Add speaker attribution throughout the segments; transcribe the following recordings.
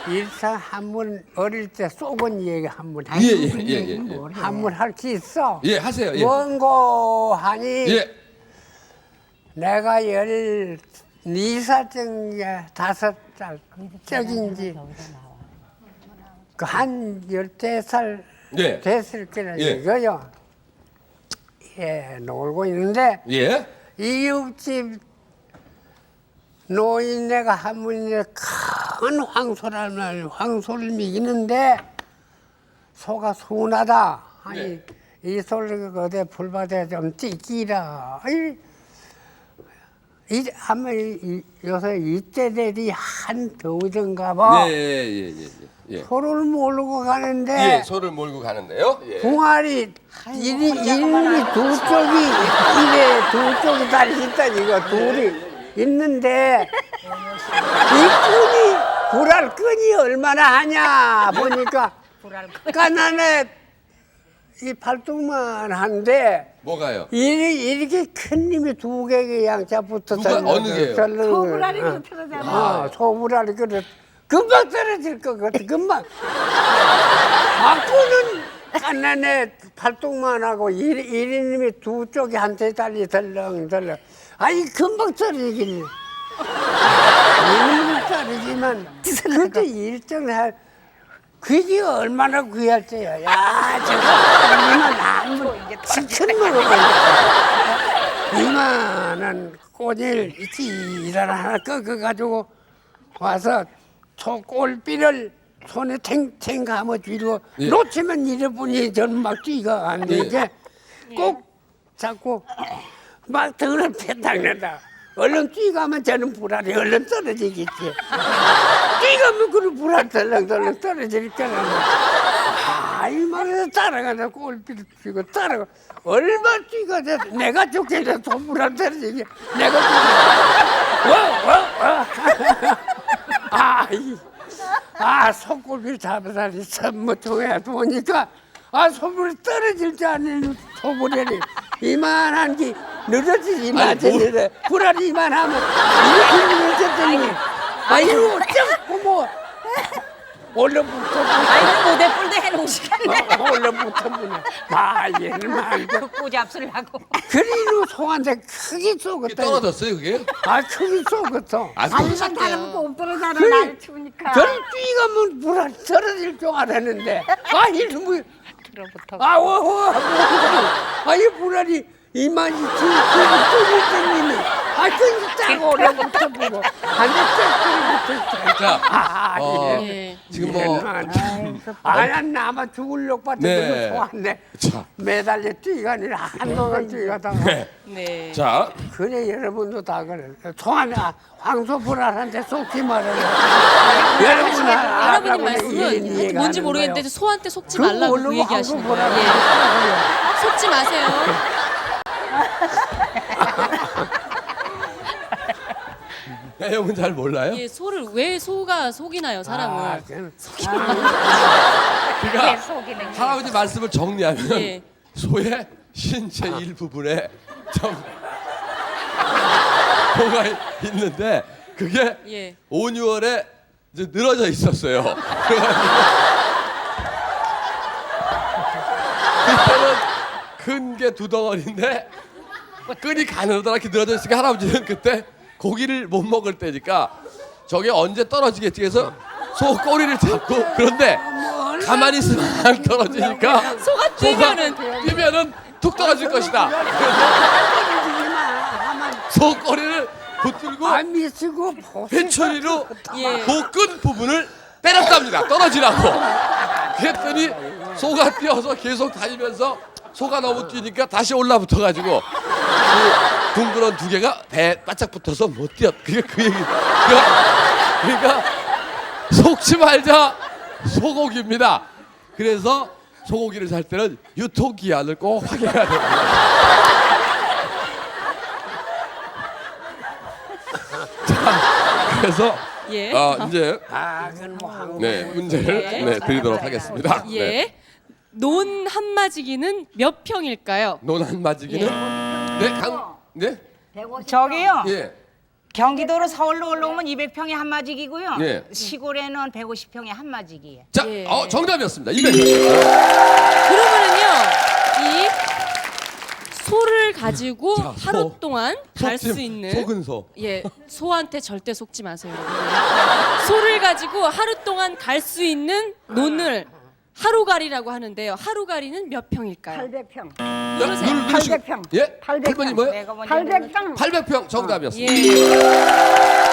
Speaker 1: 일상 한번 어릴 때 쏘건 얘기 한번
Speaker 2: 예.
Speaker 1: 한번 할 게 있어.
Speaker 2: 예, 하세요. 예.
Speaker 1: 원고 하니
Speaker 2: 예.
Speaker 1: 내가 12살쯤에 5살적인지 그 한 14살
Speaker 2: 예.
Speaker 1: 됐을 거라
Speaker 2: 예.
Speaker 1: 이거요. 예, 놀고 있는데
Speaker 2: 예.
Speaker 1: 이웃집 노인네가 한 분이 큰 황소를 먹이는데 소가 순하다 하니 이 소를 어디 불밭에 좀 찌끼라. 아마 요새 이때들이 한 더우던가 봐.
Speaker 2: 예.
Speaker 1: 소를 몰고 가는데
Speaker 2: 예, 소를 몰고 가는데요. 예.
Speaker 1: 궁알이 이리 두 쪽이 이래 두 쪽이 다리 있다니까 둘이 있는데 이 끈이 불알 끈이 얼마나 하냐 보니까 까난에 이 팔뚝만 한데
Speaker 2: 뭐가요?
Speaker 1: 이렇게 큰 님이 두 개의 양자 붙어서
Speaker 2: 누가 어느 게요?
Speaker 1: 소불알이 그렇잖아. 소불알이 그렇 금방 떨어질 것 같아. 금방. 바꾸는 까난에 팔뚝만 하고 이리님이 두 쪽이 한테 달리 덜렁덜렁. 아니 금방 떨어지긴. 이리님이 떨어지만 그때 일정할 그게 얼마나 귀할 때야. 야 저거 이만 한번 치킨 먹어봐. 이만한 꼬질 지랄 하나 꺾어가지고 와서 소 꼴비를 손에 탱탱 감아주고
Speaker 2: 예.
Speaker 1: 놓치면 이래뿐이 저는 막 뛰가 안 되게 꼭 잡고 막 등을 패당낸다. 얼른 뛰가면 저는 불알이 얼른 떨어지겠지. 뛰가면 그런 불알 덜렁덜렁 떨어질 거라. 이 말에서 따라가다 꼴비를 피고 따라가. 얼마 뛰가 돼서 내가 죽게 돼서 불알 떨어지게 내가 손꼽이를 잡아다니 선무통에 보니까 소불이 떨어질 줄 아는 소불이 이만한 게 늘어지지 마찬가지래. 불알이 이만하면 이렇게 늘어졌더니 이거 어쩌고 뭐 얼른부터
Speaker 3: 모대 뿔대 해놓은 시간에
Speaker 1: 얼른부터 얘는 말고
Speaker 3: 그 잡수려고.
Speaker 1: 그리로 소한테 크게 쏘겠다.
Speaker 2: 떨어졌어요, 그게?
Speaker 1: 크게 쏘겠어.
Speaker 3: 아니면 다른 거못 떨어잖아.
Speaker 1: 그래.
Speaker 3: 날 추우니까.
Speaker 1: 저를 뛰가면 불알 떨어질 줄 알았는데 이놈의
Speaker 3: 들어부터.
Speaker 1: 이 불알이 이만이 쭈쭈쭈님이 끈이 딱 올라붙어 보고 한대 쫙
Speaker 2: 자,
Speaker 3: 예.
Speaker 2: 지금 뭐
Speaker 1: 난 나만 죽을려고 봤더니 소한테
Speaker 2: 자.
Speaker 1: 매달려 뛰가 아니라 한동안 뛰가다가
Speaker 3: 네.
Speaker 2: 자,
Speaker 1: 그래 여러분도 다 그래. 소한 황소 불알한테 속지 말아요. 여러분
Speaker 3: 할아버님 말씀은 뭔지 모르겠는데 소한테 속지 말라고 그 얘기하시는 거예요. 예. 속지 마세요.
Speaker 2: 내용은 잘 몰라요?
Speaker 3: 예, 소를 왜 소가 속이나요, 사람을?
Speaker 2: 그러니까
Speaker 3: 속이는 게.
Speaker 2: 할아버지 말씀을 정리하면
Speaker 3: 예.
Speaker 2: 소의 신체 일부분에 좀 뭐가 있는데 그게
Speaker 3: 예.
Speaker 2: 5, 6월에 이제 늘어져 있었어요. 그때는 큰 게 두 덩어리인데 끈이 가늘어다랗게 늘어져 있으니까 할아버지는 그때 고기를 못 먹을 때니까 저게 언제 떨어지겠지 해서 소 꼬리를 잡고 그런데 가만히 있으면 안 떨어지니까
Speaker 3: 소가 뛰면은
Speaker 2: 툭 떨어질 것이다. 소 꼬리를 붙들고
Speaker 1: 안 미치고
Speaker 2: 회초리로
Speaker 3: 예.
Speaker 2: 그 끈 부분을 때렸답니다. 떨어지라고. 그랬더니 소가 뛰어서 계속 다니면서 소가 너무 뛰니까 다시 올라붙어가지고 그 둥그런 두 개가 배에 바짝 붙어서 못 뛰었. 그게 그 얘기. 그러니까 속지 말자 소고기입니다. 그래서 소고기를 살 때는 유통기한을 꼭 확인해야 됩니다. 자, 그래서
Speaker 3: 예.
Speaker 2: 이제
Speaker 1: 그건 뭐
Speaker 2: 네, 문제를 드리도록 하겠습니다.
Speaker 3: 예.
Speaker 2: 네.
Speaker 3: 논 한마지기는 몇 평일까요?
Speaker 2: 논 한마지기는 네, 강 네?
Speaker 4: 저기요.
Speaker 2: 예.
Speaker 4: 경기도로 서울로 올라오면 200평에 한 마지기고요.
Speaker 2: 예.
Speaker 4: 시골에는 150평에 한 마지기예요.
Speaker 2: 자,
Speaker 3: 예.
Speaker 2: 정답이었습니다. 200.
Speaker 3: 그러면은요, 이 소를 가지고
Speaker 2: 자, 소.
Speaker 3: 하루 동안 갈 수 있는
Speaker 2: 속은 소.
Speaker 3: 예, 소한테 절대 속지 마세요. 여러분. 소를 가지고 하루 동안 갈 수 있는 논을 하루가리라고 하는데요. 하루가리는 몇 평일까요?
Speaker 5: 800평.
Speaker 3: 누르세요.
Speaker 2: 누르시고.
Speaker 5: 800평.
Speaker 2: 예?
Speaker 5: 800
Speaker 2: 8번이 뭐예요?
Speaker 4: 내가 먼저
Speaker 5: 800평.
Speaker 2: 800평 정답이었습니다.
Speaker 3: 예.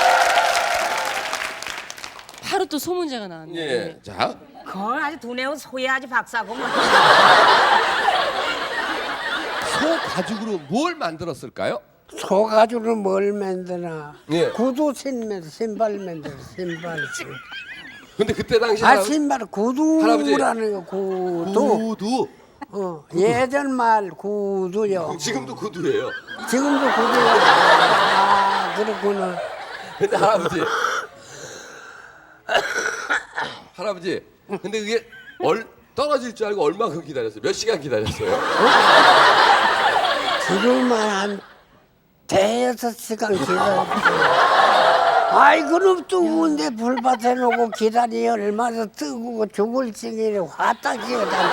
Speaker 3: 바로 또 소 문제가 나왔네요.
Speaker 2: 예. 자,
Speaker 4: 그건 아주 두뇌우 소야지 박사고 뭐.
Speaker 2: 소 가죽으로 뭘 만들었을까요?
Speaker 1: 소 가지고 뭘 만드나?
Speaker 2: 예.
Speaker 1: 구두 신발 만들어 신발.
Speaker 2: 근데 그때 당시
Speaker 1: 신발 구두라는 거 구두.
Speaker 2: 구두.
Speaker 1: 예전 말 구두요.
Speaker 2: 지금도 구두예요.
Speaker 1: 지금도 구두요. 아 그렇구나.
Speaker 2: 근데 할아버지. 근데 그게 떨어질 줄 알고 얼마큼 기다렸어요? 몇 시간 기다렸어요?
Speaker 1: 지금만 한 대여섯 시간 기다렸어요. 아이 그럼 뜨거운데 불밭에 놓고 기다리 얼마나 뜨거워 죽을 지경에 화딱 기어다.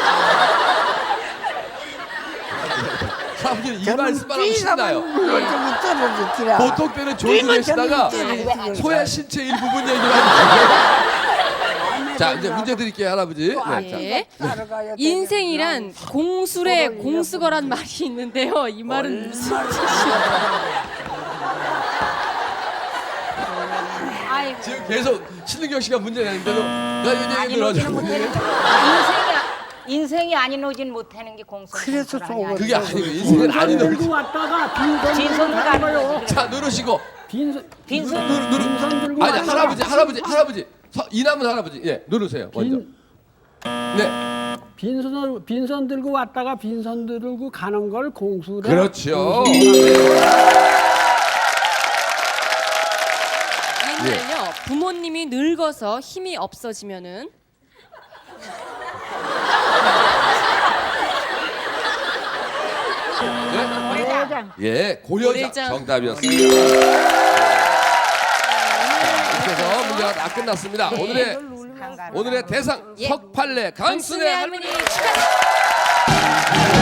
Speaker 2: 할아버지 이 말씀만 하면 신나요.
Speaker 1: 저기 떨어졌기라.
Speaker 2: 보통 때는 조용히 계시다가 소의 신체 일부분 얘기를 하는 자, 이제 문제 드릴게요, 할아버지. 네, 자.
Speaker 3: 예. 인생이란 공술에 공수거란 말이 있는데요. 이 말은 무슨 뜻이에요?
Speaker 4: 아이고.
Speaker 2: 지금 계속 신은경 씨가 문제 내는데도 나 이거 얘기
Speaker 4: 아니
Speaker 2: 들어줘.
Speaker 4: 노지는 못하는 인생이 아닌 노지는 못하는 게 공손.
Speaker 1: 그래서 속을
Speaker 2: 그게 아니고 인생은 아닌
Speaker 5: 들고
Speaker 2: 놈.
Speaker 5: 왔다가 빈손
Speaker 4: 진손
Speaker 5: 들고
Speaker 4: 가는
Speaker 5: 가는
Speaker 4: 거지.
Speaker 5: 거요.
Speaker 2: 자, 누르시고.
Speaker 5: 빈손
Speaker 4: 빈손.
Speaker 5: 빈손 들고
Speaker 2: 아니,
Speaker 5: 왔다가
Speaker 2: 할아버지. 이남은 할아버지. 예, 누르세요. 먼저. 네.
Speaker 5: 빈손 들고 왔다가 빈손 들고 가는 걸 공수라.
Speaker 2: 그렇죠.
Speaker 3: 옛날에요. 부모님이 늙어서 힘이 없어지면은
Speaker 5: 대장.
Speaker 2: 예, 고려장
Speaker 3: 고려장.
Speaker 2: 정답이었습니다. 이렇게 해서 문제가 다 끝났습니다. 오늘의 대상
Speaker 3: 예.
Speaker 2: 석팔래 강순의
Speaker 3: 강순의
Speaker 2: 할머니.
Speaker 3: 할머니 축하.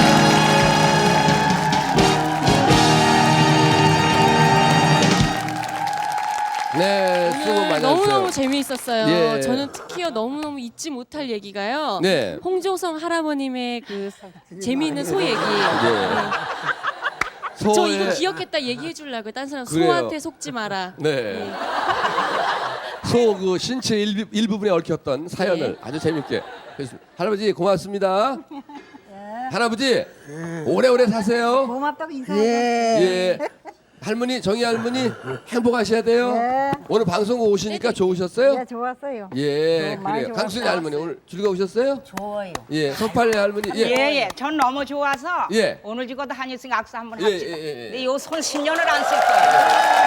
Speaker 2: 네, 수고 많이
Speaker 3: 너무너무
Speaker 2: 하셨어요.
Speaker 3: 재미있었어요.
Speaker 2: 예.
Speaker 3: 저는 특히요 너무너무 잊지 못할 얘기가요.
Speaker 2: 네.
Speaker 3: 홍조성 할아버님의 그 재미있는 소 얘기.
Speaker 2: 예.
Speaker 3: 저 이거 기억했다 얘기해 주려고요. 딴 사람
Speaker 2: 그래요.
Speaker 3: 소한테 속지 마라.
Speaker 2: 네. 소 그 신체 일부분에 얽혔던 사연을 아주 재밌게 했습니다. 할아버지 고맙습니다. 할아버지 오래오래 사세요.
Speaker 5: 고맙다고 인사해.
Speaker 1: 예.
Speaker 2: 예. 할머니 정희 할머니 행복하셔야 돼요.
Speaker 5: 네.
Speaker 2: 오늘 방송국 오시니까 좋으셨어요?
Speaker 5: 네, 좋았어요.
Speaker 2: 예,
Speaker 5: 많이
Speaker 2: 그래요. 강순이 할머니 오늘 즐거우셨어요?
Speaker 4: 좋아요.
Speaker 2: 예, 석팔래 할머니.
Speaker 4: 예. 전 너무 좋아서
Speaker 2: 예.
Speaker 4: 오늘 죽어도 한일승 악수 한번
Speaker 2: 예,
Speaker 4: 합시다.
Speaker 2: 예, 예, 예.
Speaker 4: 근데 요손 10년을 안 쓸 거예요.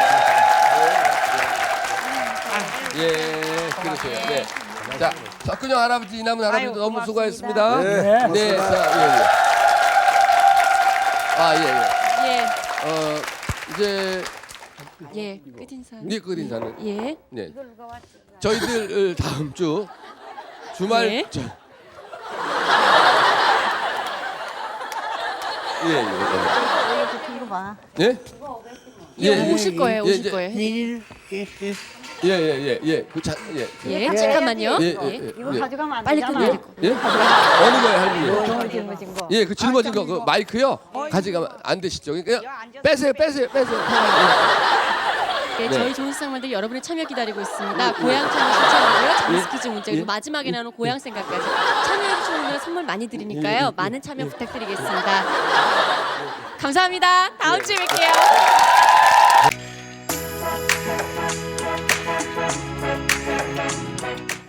Speaker 2: 예, 그러세요. 네. 자, 석근영 할아버지, 이남은 할아버지
Speaker 4: 아유,
Speaker 2: 너무
Speaker 4: 고맙습니다.
Speaker 2: 수고하셨습니다.
Speaker 1: 네,
Speaker 2: 자, 예. 아, 예.
Speaker 3: 예.
Speaker 2: 이제
Speaker 3: 예. 끝인사.
Speaker 2: 네 끝인사는
Speaker 3: 예.
Speaker 2: 네. 저희들 다음 주 주말
Speaker 3: 네.
Speaker 5: 이거 봐.
Speaker 2: 예?
Speaker 3: 예, 오실 거예요. 오실
Speaker 2: 이제-
Speaker 3: 거예요.
Speaker 2: 예.
Speaker 3: 예. 잠깐만요.
Speaker 5: 이거 가져가면 안
Speaker 3: 빨리
Speaker 5: 되잖아.
Speaker 3: 끝내야 될 거.
Speaker 2: 예? 어느 거예요, 할머니?
Speaker 5: 짊어진 거.
Speaker 2: 예, 그 짊어진 거, 그 마이크요. 가져가면 안 되시죠? 그냥 빼세요.
Speaker 3: 예,
Speaker 2: 네.
Speaker 3: 저희 좋은 세상만들 여러분의 참여 기다리고 있습니다. 고향 참여 신청하고요. 장스퀴즈 문자 그리고 마지막에 나오는 고향 생각까지 참여해 주시는 분들 선물 많이 드리니까요. 많은 참여 부탁드리겠습니다. 감사합니다. 다음 주에 뵐게요.